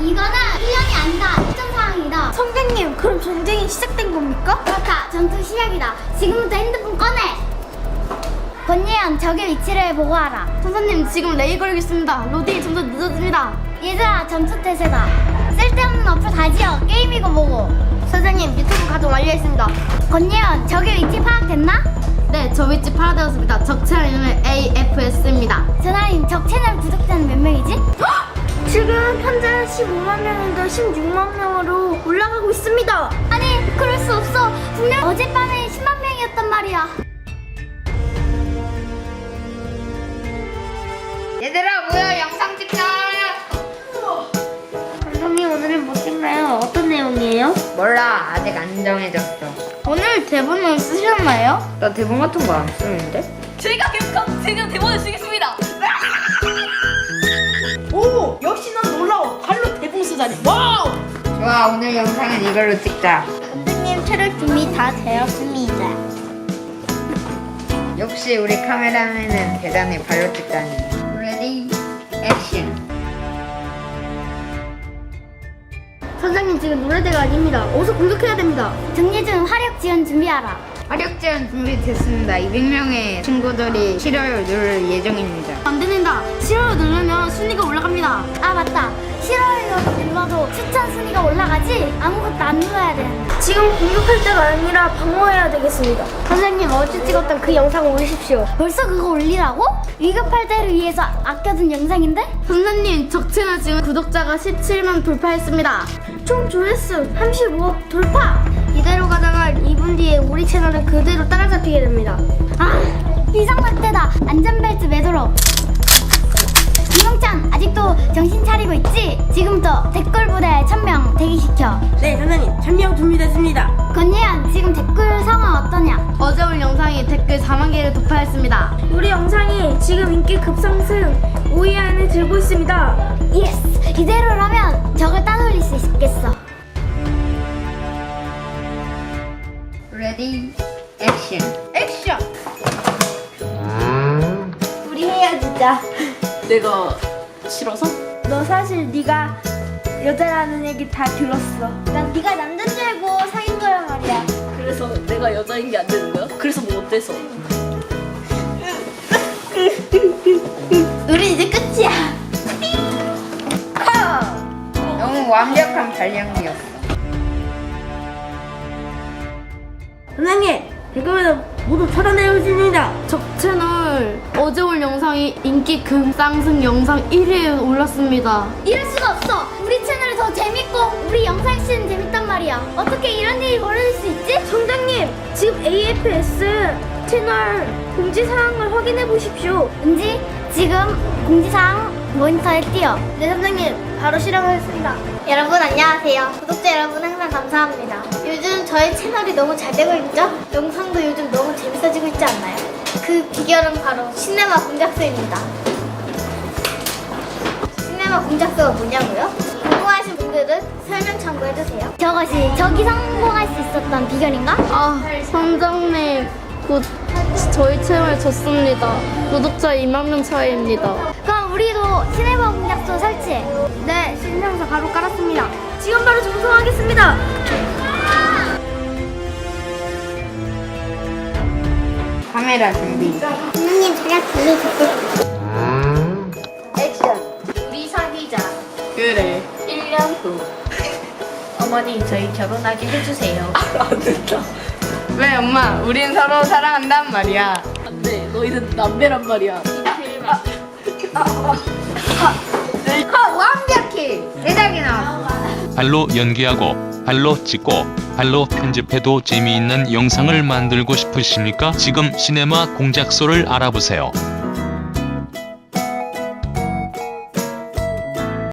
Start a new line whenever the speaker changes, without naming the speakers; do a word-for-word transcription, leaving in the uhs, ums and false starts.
이거는 훈련이 아니다. 특전 상황이다.
선생님, 그럼 전쟁이 시작된 겁니까?
그렇다. 전투 시작이다. 지금부터 핸드폰 꺼내. 권예현, 적의 위치를 보고하라.
선생님, 지금 레이 걸겠습니다. 로딩이 점점 늦어집니다.
얘들아, 전투 태세다. 쓸데없는 어플 다 지워. 게임이고 뭐고.
선생님, 유튜브 가동 완료했습니다.
권예현, 적의 위치 파악됐나?
네, 저 위치 파악되었습니다. 적 채널 이름은 에이에프에스입니다.
전하님, 적 채널 구독자는 몇 명이지?
지금 현재 십오만 명인데 십육만 명으로 올라가고 있습니다.
아니, 그럴 수 없어. 분명 어젯밤에 십만 명이었단 말이야.
얘들아 모여 영상 찍자.
선생님, 오늘은 뭐 찍나요? 어떤 내용이에요?
몰라 아직 안 정해졌어.
오늘 대본을 쓰셨나요?
나 대본 같은 거 안 쓰는데?
제가 계속 제가 대본을 쓰겠습니다.
오! 역시 넌 놀라워. 발로 대봉 쓰다니. 와우!
좋아 오늘 영상은 이걸로 찍자.
선생님, 촬영 준비 다 되었습니다.
역시 우리 카메라맨은 대단히 발로 찍다니. 레디 액션.
선생님, 지금 노래대가 아닙니다. 어서 공격해야 됩니다.
정예준, 화력 지원 준비하라.
화력 제한 준비됐습니다. 이백 명의 친구들이 싫어요 누를 예정입니다.
안 됩니다. 싫어요 누르면 순위가 올라갑니다.
아, 맞다. 싫어요 눌러도 추천 순위가 올라가지? 아무것도 안 눌러야 되는데.
지금 공격할 때가 아니라 방어해야 되겠습니다. 선생님, 어제 찍었던 그 영상 올리십시오.
벌써 그거 올리라고? 위급할 때를 위해서 아껴둔 영상인데?
선생님, 적 채널 지금 구독자가 십칠만 돌파했습니다. 총 조회수 삼십오억 돌파! 이대로 가다가 이 분 뒤에 우리 채널은 그대로 따라잡히게 됩니다.
아, 비상사태다. 안전벨트 매도록. 김영찬, 아직도 정신 차리고 있지? 지금부터 댓글 부대 천 명 대기시켜.
네, 선생님. 천명 준비됐습니다.
권예현, 지금 댓글 상황 어떠냐?
어제 올 영상이 댓글 사만 개를 돌파했습니다. 우리 영상이 지금 인기 급상승 오 위 안에 들고 있습니다.
예스! 이대로라면 적을 따돌릴 수 있겠어.
레디 액션.
액션!
우리 헤어지자.
내가 싫어서?
너 사실 네가 여자라는 얘기 다 들었어.
난 네가 남자인 줄 알고 사귄 거란 말이야.
그래서 내가 여자인 게 안 되는 거야? 그래서 뭐 어때서?
우리 이제 끝이야.
너무 완벽한 발령기였어.
선생님! 지금은 모두 차단해주십니다.
적 채널 어제 올 영상이 인기 급상승 영상 일 위에 올랐습니다.
이럴 수가 없어. 우리 채널이 더 재밌고 우리 영상씨는 재밌단 말이야. 어떻게 이런 일이 벌어질 수 있지?
선생님, 지금 에이에프에스 채널 공지 사항을 확인해 보십시오.
은지, 지금 공지사항 모니터에 띄어.
네, 선생님, 바로 실행하겠습니다.
여러분 안녕하세요. 구독자 여러분 항상 감사합니다. 요즘 저희 채널이 너무 잘 되고 있죠? 영상도 요즘 너무 재밌어지고 있지 않나요? 그 비결은 바로 시네마 공작소입니다. 시네마 공작소가 뭐냐고요? 궁금하신 분들은 설명 참고해주세요. 저것이 저기 성공할 수 있었던 비결인가?
아, 선장님, 곧 저희 채널 졌습니다. 구독자 이만 명 차이입니다.
그럼 우리도 시네마 공작소 설치해.
네, 신청서 바로 깔았습니다. 지금 바로 전송하겠습니다.
카메라 준비.
선생님 그냥 들려주세요.
액션. 우리 사귀자.
그래.
일 년 후. 어머니 저희 결혼하게 해주세요.
안 된다.
왜 엄마? 우린 서로 사랑한단 말이야.
안 돼. 너희는 남매란 말이야.
아, 완벽해. 제작이 나왔어.
발로 연기하고 발로 찍고 발로 편집해도 재미있는 영상을 만들고 싶으십니까? 지금 시네마 공작소를 알아보세요.